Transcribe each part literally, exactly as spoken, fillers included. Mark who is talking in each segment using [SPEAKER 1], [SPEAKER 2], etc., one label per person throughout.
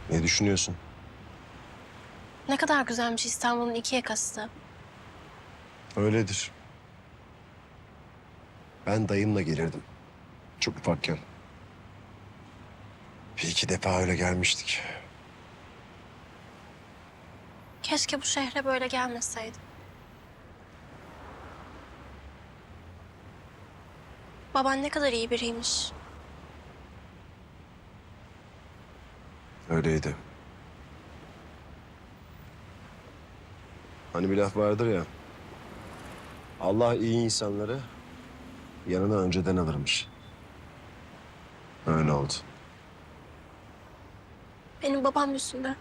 [SPEAKER 1] Ne düşünüyorsun?
[SPEAKER 2] Ne kadar güzelmiş İstanbul'un iki yakası da.
[SPEAKER 1] Öyledir. Ben dayımla gelirdim. Çok ufakken. Bir iki defa öyle gelmiştik.
[SPEAKER 2] Keşke bu şehre böyle gelmeseydim. Baban ne kadar iyi biriymiş.
[SPEAKER 1] Öyleydi. Hani bir laf vardır ya. Allah iyi insanları yanına önceden alırmış. Öyle oldu.
[SPEAKER 2] Benim babam yüzünden.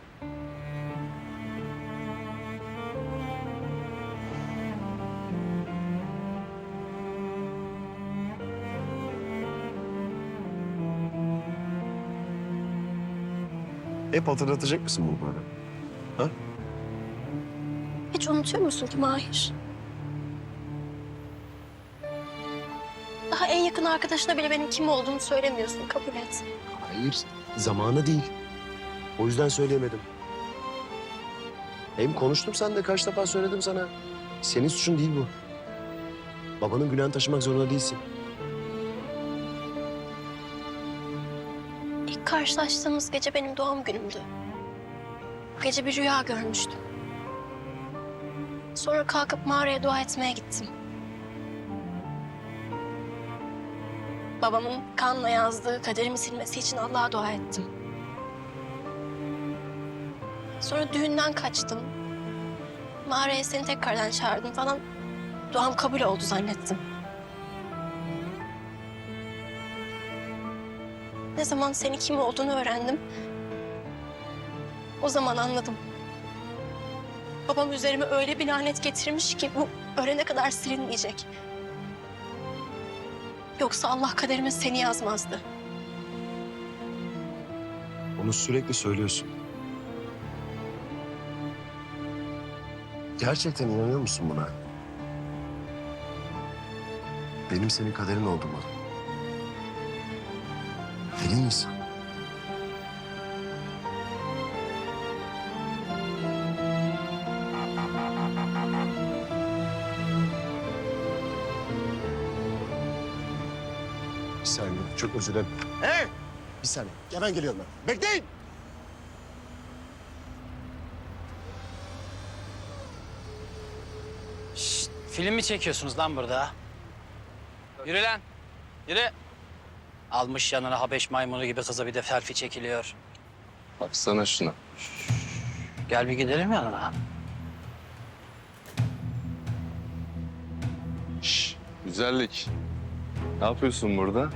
[SPEAKER 1] Hep hatırlatacak mısın bunu bana? Ha?
[SPEAKER 2] Hiç unutuyor musun ki Mahir? Daha en yakın arkadaşına bile benim kim olduğumu söylemiyorsun, kabul et.
[SPEAKER 1] Hayır, zamanı değil. O yüzden söyleyemedim. Hem konuştum seninle, kaç defa söyledim sana. Senin suçun değil bu. Babanın günahını taşımak zorunda değilsin.
[SPEAKER 2] İlk karşılaştığımız gece benim doğum günümdü. Bu gece bir rüya görmüştüm. Sonra kalkıp mağaraya dua etmeye gittim. Babamın kanla yazdığı kaderimi silmesi için Allah'a dua ettim. Sonra düğünden kaçtım. Mağaraya seni tekrardan çağırdım falan. Duam kabul oldu zannettim. Ne zaman senin kim olduğunu öğrendim. O zaman anladım. Babam üzerime öyle bir lanet getirmiş ki bu ölene kadar silinmeyecek. Yoksa Allah kaderime seni yazmazdı.
[SPEAKER 1] Onu sürekli söylüyorsun. Gerçekten inanıyor musun buna? Benim senin kaderin oldum mu? Emin misin? Bir saniye, çok özür dilerim. Hey! Bir saniye, hemen geliyorum ben. Bekleyin!
[SPEAKER 3] Şşt, film mi çekiyorsunuz lan burada? Yürü lan, yürü. Almış yanına Habeş maymunu gibi kıza bir de selfie çekiliyor.
[SPEAKER 4] Baksana şuna.
[SPEAKER 3] Gel bir gidelim yanına.
[SPEAKER 4] Şş, güzellik. Ne yapıyorsun burada?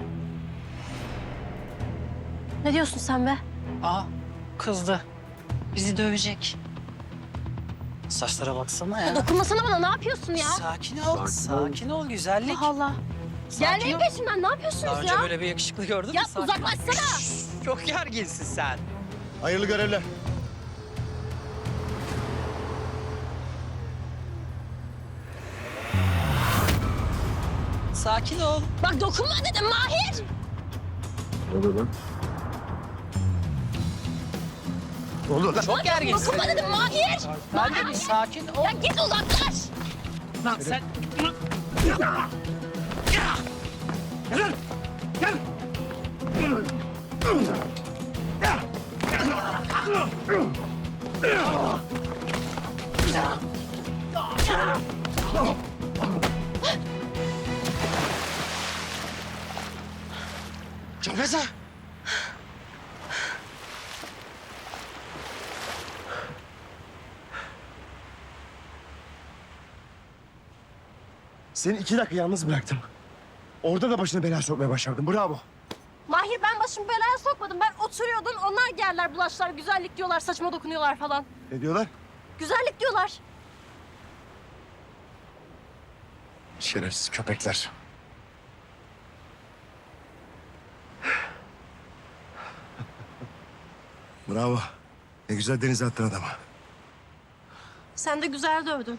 [SPEAKER 2] Ne diyorsun sen be?
[SPEAKER 3] Aa, kızdı. Bizi dövecek. Saçlara baksana ya.
[SPEAKER 2] Dokunmasana bana, ne yapıyorsun ya?
[SPEAKER 3] Sakin ol, sakin, ol güzellik.
[SPEAKER 2] Allah Allah.
[SPEAKER 3] Sakin
[SPEAKER 2] Gelmeyin
[SPEAKER 3] ol.
[SPEAKER 2] peşimden, ne
[SPEAKER 3] Daha
[SPEAKER 2] yapıyorsunuz
[SPEAKER 3] önce
[SPEAKER 2] ya?
[SPEAKER 3] böyle bir yakışıklı gördün
[SPEAKER 2] Ya
[SPEAKER 3] mü? Sakin ol.
[SPEAKER 2] uzaklaşsana.
[SPEAKER 3] Şşş, çok gerginsin sen.
[SPEAKER 1] Hayırlı görevler.
[SPEAKER 3] Sakin ol.
[SPEAKER 2] Bak dokunma dedim Mahir.
[SPEAKER 1] Ne oluyor lan? Ne oluyor lan?
[SPEAKER 3] Çok gerginsin.
[SPEAKER 2] Dokunma dedim Mahir.
[SPEAKER 3] Ben de bir sakin ol.
[SPEAKER 2] Ya git uzaklaş.
[SPEAKER 3] Lan sen...
[SPEAKER 1] Canfeza! Seni iki dakika yalnız bıraktım. Orada da başına bela sokmaya başardın. Bravo.
[SPEAKER 2] Mahir ben başımı belaya sokmadım. Ben oturuyordum. Onlar geldiler bulaşlar. Güzellik diyorlar. Saçma dokunuyorlar falan.
[SPEAKER 1] Ne diyorlar?
[SPEAKER 2] Güzellik diyorlar.
[SPEAKER 1] Şerefsiz köpekler. Bravo. Ne güzel denize attın adamı.
[SPEAKER 2] Sen de güzel dövdün.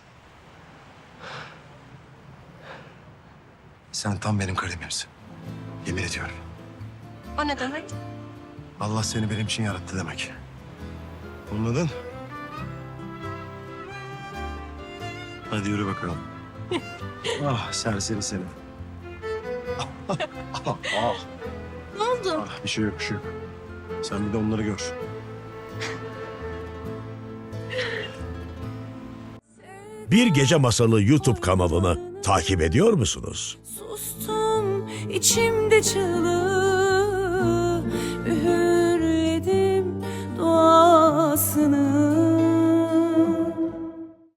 [SPEAKER 1] Sen tam benim kalemimsin. Yemin ediyorum.
[SPEAKER 2] O ne demek?
[SPEAKER 1] Allah seni benim için yarattı demek. Olmadın. Hadi yürü bakalım. Ah serseri seni. Ah, ah, ah, ah.
[SPEAKER 2] Ne oldu?
[SPEAKER 1] Ah, bir şey yok, bir şey yok. Sen bir de onları gör.
[SPEAKER 5] Bir Gece Masalı YouTube kanalını takip ediyor musunuz?
[SPEAKER 6] Sustum içimde çığlık.